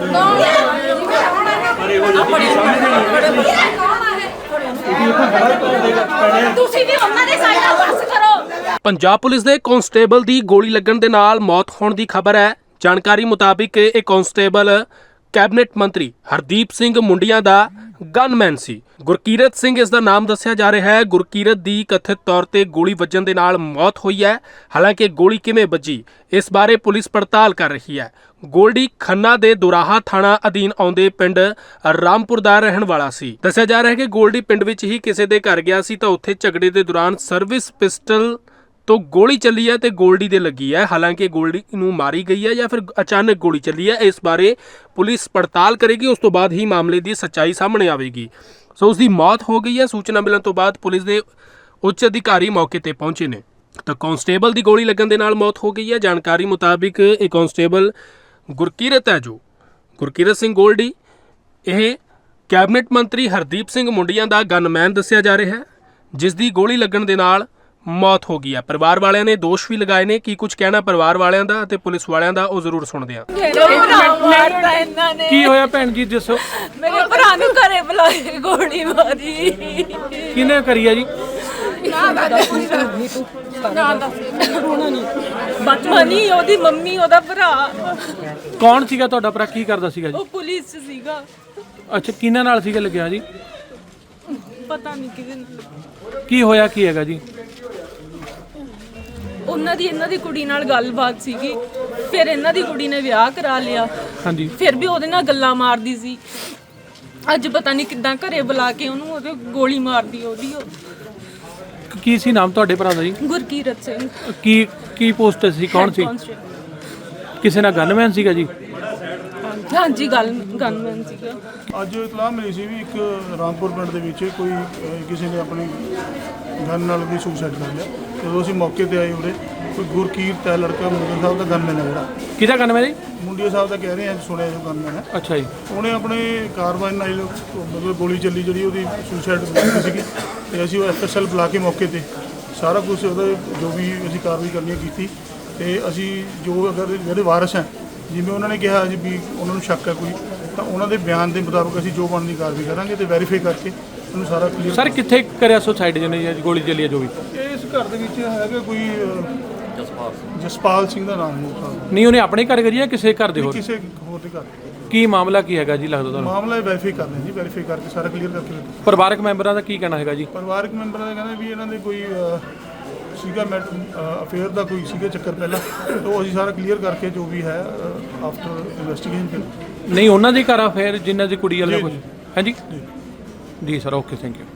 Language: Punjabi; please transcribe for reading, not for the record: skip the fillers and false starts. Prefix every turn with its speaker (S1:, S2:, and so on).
S1: पंजाब पुलिस के कांस्टेबल की गोली लगन दे नाल मौत होने की खबर है। जानकारी मुताबिक यह कांस्टेबल कैबिनेट मंत्री हरदीप सिंह मुंडिया का गनमैन सी। गुरकीरत सिंह इसका नाम दस्सिया जा रहा है। गुरकीरत की कथित तौर पर गोली वजन के नाल मौत हुई है। हालांकि गोली किवें वजी इस बारे पुलिस पड़ताल कर रही है। गोल्डी खन्ना दे दुराहा थाणा अधीन आउंदे पिंड रामपुर दा रहण वाला सी। दस्सिया जा रहा है कि गोल्डी पिंड विच ही किसी दे घर गया सी तो उत्थे झगड़े के दौरान सर्विस पिस्टल तो गोली चली है तो गोल्डी दे लगी है। हालांकि गोल्डी नूं मारी गई है या फिर अचानक गोली चली है, इस बारे पुलिस पड़ताल करेगी। उस तो बाद ही मामले की सच्चाई सामने आवेगी। सो उसकी मौत हो गई है। सूचना मिलने तो बाद पुलिस के उच्च अधिकारी मौके पर पहुंचे ने तो कांस्टेबल की गोली लगन दे नाल मौत हो गई है। जानकारी मुताबिक एक कांस्टेबल गुरकीरत है जो गुरकीरत सिंह गोल्डी, यह कैबिनेट मंत्री हरदीप सिंह मुंडिया का गनमैन दस्सिया जा रहा है, जिसकी गोली लगन दे नाल मौत हो गई है। परिवार वालियां ने दोष भी लगाए ने। की कुछ कहना परिवार वालियां दा ते पुलिस वालियां दा, ਉਹ ਜ਼ਰੂਰ ਸੁਣਦੇ ਆ।
S2: ਕੀ ਹੋਇਆ ਭੈਣ ਜੀ ਦੱਸੋ?
S3: ਮੇਰੇ ਭਰਾ ਨੂੰ ਘਰੇ ਬੁਲਾ ਕੇ ਗੋਲੀ ਮਾਰੀ।
S2: ਕਿਹਨੇ ਕਰੀ ਆ ਜੀ?
S3: ਮਨੀ ਉਹਦੀ ਮੰਮੀ ਉਹਦਾ ਭਰਾ।
S2: ਕੌਣ ਸੀਗਾ ਤੁਹਾਡਾ ਭਰਾ? ਕੀ ਕਰਦਾ ਸੀਗਾ ਜੀ?
S3: ਉਹ ਪੁਲਿਸ 'ਚ ਸੀਗਾ।
S2: ਅੱਛਾ, ਕਿਹਨਾਂ ਨਾਲ ਸੀਗਾ ਲੱਗਿਆ ਜੀ?
S3: ਪਤਾ ਨਹੀਂ ਕਿਹਦੇ ਨਾਲ।
S2: ਕੀ ਹੋਇਆ ਕੀ ਹੈਗਾ ਜੀ?
S3: ਉਹਨਾਂ ਦੀ ਇਹਨਾਂ ਦੀ ਕੁੜੀ ਨਾਲ ਗੱਲਬਾਤ ਸੀਗੀ। ਫਿਰ ਇਹਨਾਂ ਦੀ ਕੁੜੀ ਨੇ ਵਿਆਹ ਕਰਾ ਲਿਆ।
S2: ਹਾਂਜੀ।
S3: ਫਿਰ ਵੀ ਉਹਦੇ ਨਾਲ ਗੱਲਾਂ ਮਾਰਦੀ ਸੀ। ਅੱਜ ਪਤਾ ਨਹੀਂ ਕਿੱਦਾਂ ਘਰੇ ਬੁਲਾ ਕੇ ਉਹਨੂੰ ਉਹਦੇ ਗੋਲੀ ਮਾਰਦੀ ਉਹਦੀ।
S2: ਕੀ ਸੀ ਨਾਮ ਤੁਹਾਡੇ ਭਰਾ ਦਾ ਜੀ?
S3: ਗੁਰਕੀਰਤ ਸਿੰਘ।
S2: ਕੀ ਪੋਸਟ ਸੀ? ਕੌਣ ਸੀ? ਕਿਸੇ ਨਾਲ ਗਨਮੈਨ ਸੀਗਾ ਜੀ?
S3: ਹਾਂਜੀ, ਗਨਮੈਨ ਸੀਗਾ।
S4: ਅੱਜ ਇਤਲਾਹ ਮਿਲੀ ਸੀ ਵੀ ਇੱਕ ਰਾਮਪੁਰ ਪਿੰਡ ਦੇ ਵਿੱਚ ਕੋਈ ਕਿਸੇ ਨੇ ਆਪਣੀ ਗਨ ਨਾਲ ਵੀ ਸੁਸਾਈਡ ਕਰ ਲਿਆ। ਜਦੋਂ ਅਸੀਂ ਮੌਕੇ ਤੇ ਆਏ ਉਰੇ ਕੋਈ ਗੁਰਕੀਰਤ ਹੈ ਲੜਕਾ, ਮੁੰਡੇ ਸਾਹਿਬ ਦਾ ਗਨਮੈਨ ਹੈ ਜਿਹੜਾ।
S2: ਕਿਹਦਾ ਗਨਮੈਨ ਜੀ?
S4: ਮੁੰਡੇ ਸਾਹਿਬ ਦਾ ਕਹਿ ਰਹੇ ਆ, ਸੁਣਿਆ ਜੋ ਗਨਮੈਨ ਹੈ।
S2: ਅੱਛਾ ਜੀ।
S4: ਉਹਨੇ ਆਪਣੇ ਕਾਰਵਾਈ ਨਾਲ ਮਤਲਬ ਗੋਲੀ ਚੱਲੀ ਜਿਹੜੀ ਉਹਦੀ ਸੁਸਾਈਡ ਸੀਗੀ ਤੇ ਅਸੀਂ ਉਹ ਐਫਐਸਐਲ ਬੁਲਾ ਕੇ ਮੌਕੇ ਤੇ ਸਾਰਾ ਕੁਝ ਉਹਦਾ ਜੋ ਵੀ ਅਸੀਂ ਕਾਰਵਾਈ ਕਰਨੀ ਕੀਤੀ ਤੇ ਅਸੀਂ ਜੋ ਅਗਰ ਜਿਹੜੇ ਵਾਰਸ ਹੈ ਜਿਵੇਂ ਉਹਨਾਂ ਨੇ ਕਿਹਾ ਜੀ ਵੀ ਉਹਨਾਂ ਨੂੰ ਸ਼ੱਕ ਹੈ ਕੋਈ ਤਾਂ ਉਹਨਾਂ ਦੇ ਬਿਆਨ ਦੇ ਮੁਤਾਬਕ ਅਸੀਂ ਜੋ ਬਣਦੀ ਕਾਰਵਾਈ ਕਰਾਂਗੇ ਤੇ ਵੈਰੀਫਾਈ ਕਰਕੇ ਉਹਨੂੰ ਸਾਰਾ ਕਲੀਅਰ।
S2: ਸਰ ਕਿੱਥੇ ਕਰਿਆ ਸੁਸਾਈਡ ਜਿਹਨੇ ਗੋਲੀ ਚੱਲੀ ਹੈ ਜੋ ਵੀ?
S4: ਇਸ ਘਰ ਦੇ ਵਿੱਚ ਹੈਗਾ ਕੋਈ ਜਸਪਾਲ ਸਿੰਘ ਦਾ ਨਾਮ ਹੈ।
S2: ਨਹੀਂ, ਉਹਨੇ ਆਪਣੇ ਘਰ ਕਰੀ ਜਾਂ ਕਿਸੇ ਘਰ ਦੇ ਹੋਰ?
S4: ਕਿਸੇ ਹੋਰ ਦੇ ਘਰ।
S2: ਕੀ ਮਾਮਲਾ ਕੀ ਹੈਗਾ ਜੀ ਲੱਗਦਾ ਤੁਹਾਨੂੰ?
S4: ਮਾਮਲਾ ਵੈਰੀਫਾਈ ਕਰਨਾ ਜੀ, ਵੈਰੀਫਾਈ ਕਰਕੇ ਸਾਰਾ ਕਲੀਅਰ ਕਰਕੇ।
S2: ਪਰਿਵਾਰਕ ਮੈਂਬਰਾਂ ਦਾ ਕੀ ਕਹਿਣਾ ਹੈਗਾ ਜੀ?
S4: ਪਰਿਵਾਰਕ ਮੈਂਬਰਾਂ ਦਾ ਕਹਿੰਦਾ ਵੀ ਇਹਨਾਂ ਦੇ ਕੋਈ ਸੀਗਾ ਅਫੇਅਰ ਦਾ ਕੋਈ ਸੀਗਾ ਚੱਕਰ ਪਹਿਲਾਂ, ਤਾਂ ਅਸੀਂ ਸਾਰਾ ਕਲੀਅਰ ਕਰਕੇ ਜੋ ਵੀ ਹੈ ਆਫਟਰ ਇਨਵੈਸਟੀਗੇਸ਼ਨ।
S2: ਨਹੀਂ, ਉਹਨਾਂ ਦੇ ਘਰ ਆ ਫਿਰ ਜਿਨ੍ਹਾਂ ਦੀ ਕੁੜੀ ਵਾਲਾ ਕੁਝ ਹੈ ਜੀ? ਜੀ ਸਰ, ਓਕੇ, ਥੈਂਕ ਯੂ।